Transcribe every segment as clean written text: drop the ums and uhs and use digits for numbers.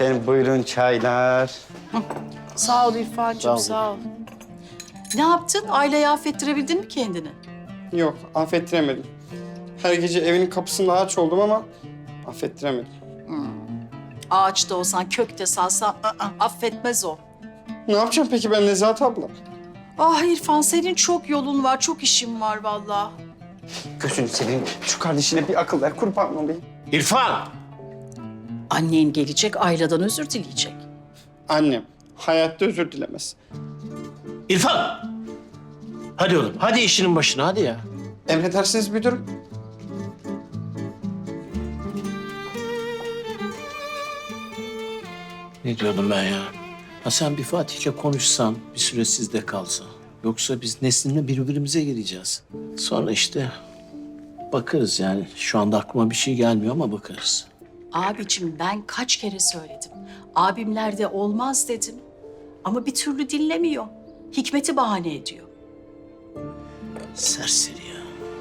Efendim buyurun çaylar. Sağ ol İrfan'cığım, sağ ol. Ne yaptın? Aileyi affettirebildin mi kendini? Yok affettiremedim. Her gece evinin kapısında ağaç oldum ama affettiremedim. Ağaçta olsan, kökte salsan affetmez o. Ne yapacağım peki ben Nezahat abla? Ah İrfan, senin çok yolun var, çok işin var vallahi. Gözünü seveyim. Şu kardeşine bir akıl ver kurban olayım. İrfan! Annen gelecek, Ayla'dan özür dileyecek. Annem hayatta özür dilemez. İrfan! Hadi oğlum, hadi işinin başına, hadi ya. Emredersiniz müdürüm. Ne diyordum ben ya? Ha sen bir Fatih'le konuşsan, bir süre sizde kalsa. Yoksa biz Nesrin'le birbirimize gireceğiz. Sonra işte bakarız yani. Şu anda aklıma bir şey gelmiyor ama bakarız. Abicim ben kaç kere söyledim. Abimlerde olmaz dedim. Ama bir türlü dinlemiyor. Hikmet'i bahane ediyor. Serseri ya.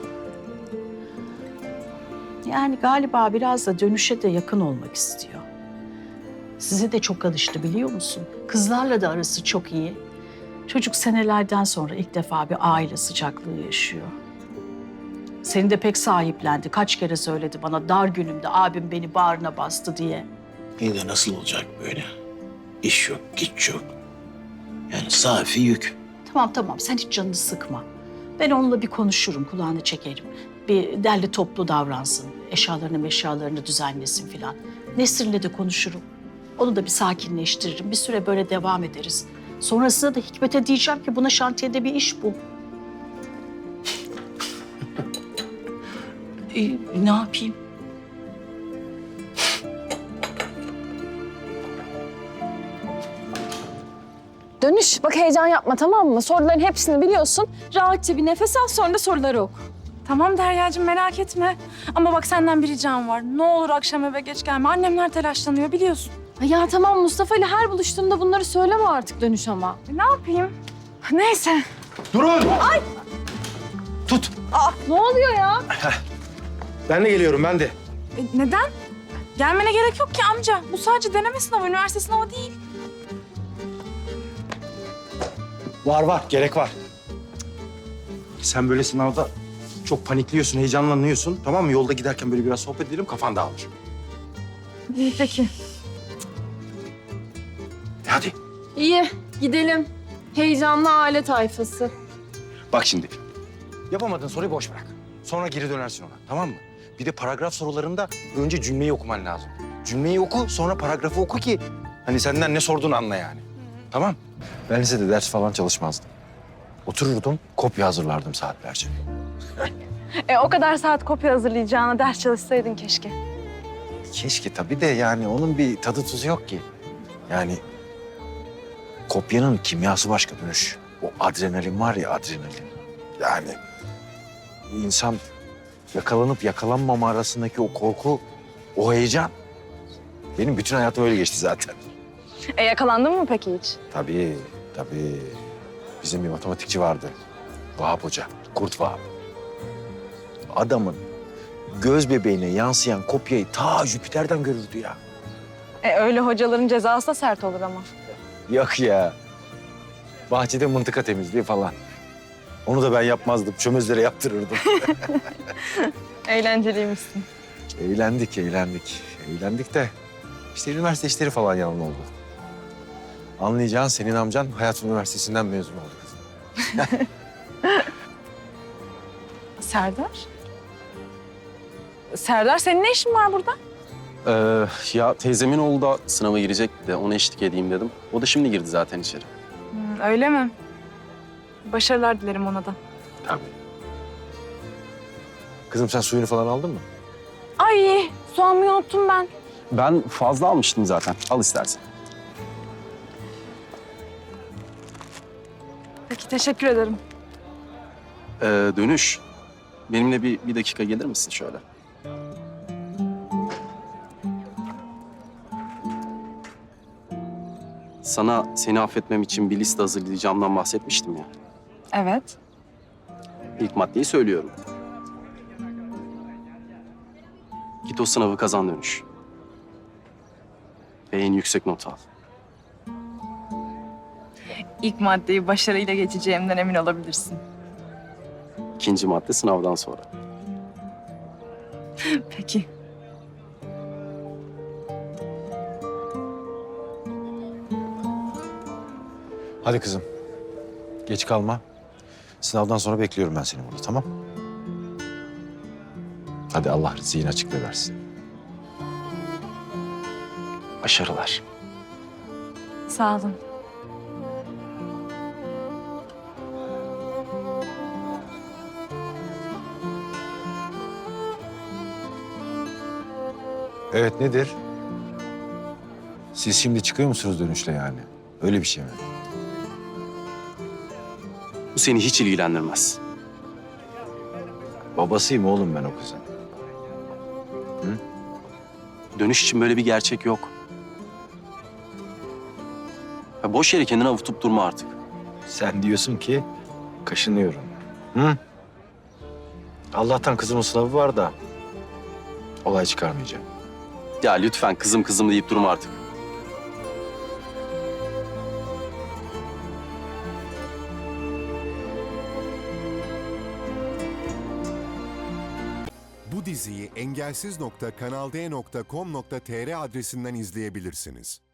Yani galiba biraz da dönüşe de yakın olmak istiyor. Size de çok alıştı biliyor musun? Kızlarla da arası çok iyi. Çocuk senelerden sonra ilk defa bir aile sıcaklığı yaşıyor. Seni de pek sahiplendi. Kaç kere söyledi bana dar günümde abim beni bağrına bastı diye. İyi de nasıl olacak böyle? İş yok, güç yok. Yani safi yük. Tamam sen hiç canını sıkma. Ben onunla bir konuşurum, kulağını çekerim. Bir derli toplu davransın. Eşyalarını düzenlesin filan. Nesrin'le de konuşurum. Onu da bir sakinleştiririm. Bir süre böyle devam ederiz. Sonrasında da Hikmet'e diyeceğim ki buna şantiyede bir iş bul. Ne yapayım? Dönüş, bak heyecan yapma tamam mı? Soruların hepsini biliyorsun. Rahatça bir nefes al sonra da soruları oku. Tamam Derya'cığım merak etme. Ama bak senden bir ricam var. Ne olur akşam eve geç gelme. Annemler telaşlanıyor biliyorsun. Ya tamam Mustafa ile her buluştuğumda bunları söyleme artık Dönüş ama. Ne yapayım? Neyse. Durun! Tut. Ne oluyor ya? Ben de geliyorum, ben de. Neden? Gelmene gerek yok ki amca. Bu sadece deneme sınavı, üniversite sınavı değil. Var, gerek var. Sen böyle sınavda çok panikliyorsun, heyecanlanıyorsun. Tamam mı? Yolda giderken böyle biraz sohbet edelim, kafan dağılır. İyi peki. Hadi. İyi, gidelim. Heyecanlı aile tayfası. Bak şimdi. Yapamadığın soruyu boş bırak. Sonra geri dönersin ona, tamam mı? Bir de paragraf sorularında önce cümleyi okuman lazım. Cümleyi oku, sonra paragrafı oku ki... hani senden ne sorduğunu anla yani. Tamam? Ben lisede ders falan çalışmazdım. Otururdum, kopya hazırlardım saatlerce. O kadar saat kopya hazırlayacağına ders çalışsaydın keşke. Keşke tabii de yani onun bir tadı tuzu yok ki. Yani kopyanın kimyası başka Dönüş. O adrenalin var ya adrenalin. Yani insan yakalanıp yakalanmama arasındaki o korku, o heyecan. Benim bütün hayatım öyle geçti zaten. Yakalandın mı peki hiç? Tabii. Bizim bir matematikçi vardı. Vahap Hoca, Kurt Vahap. Adamın göz bebeğine yansıyan kopyayı ta Jüpiter'den görürdü ya. Öyle hocaların cezası da sert olur ama. Yok ya. Bahçede mıntıka temizliği falan. Onu da ben yapmazdım. Çömezlere yaptırırdım. Eğlenceliymişsin. Eğlendik. Eğlendik de işte üniversite işleri falan yalan oldu. Anlayacağın senin amcan Hayat Üniversitesi'nden mezun oldu kızım. Serdar? Serdar senin ne işin var burada? Ya teyzemin oğlu da sınava girecek de ona eşlik edeyim dedim. O da şimdi girdi zaten içeri. Öyle mi? Başarılar dilerim ona da. Tabii. Kızım sen suyunu falan aldın mı? Ay su almayı unuttum ben. Ben fazla almıştım zaten. Al istersen. Peki teşekkür ederim. Dönüş. Benimle bir dakika gelir misin şöyle? Sana seni affetmem için bir liste hazırlayacağımdan bahsetmiştim ya. Evet. İlk maddeyi söylüyorum. Git o sınavı kazan Dönüş. ve en yüksek not al. İlk maddeyi başarıyla geçeceğimden emin olabilirsin. İkinci madde sınavdan sonra. Peki. Hadi kızım. Geç kalma. Sınavdan sonra bekliyorum ben seni burada, tamam? Hadi Allah zihin açıklığı versin. Başarılar. Sağ olun. Evet, nedir? Siz şimdi çıkıyor musunuz dönüşle yani? Öyle bir şey mi? Bu seni hiç ilgilendirmez. Babasıyım oğlum ben o kızın. Dönüş için böyle bir gerçek yok. Ya boş yere kendini avutup durma artık. Sen diyorsun ki kaşınıyorum. Hı? Allah'tan kızımın sınavı var da olay çıkarmayacağım. Ya lütfen kızım kızım deyip durma artık. Bu diziyi engelsiz.kanalde.com.tr adresinden izleyebilirsiniz.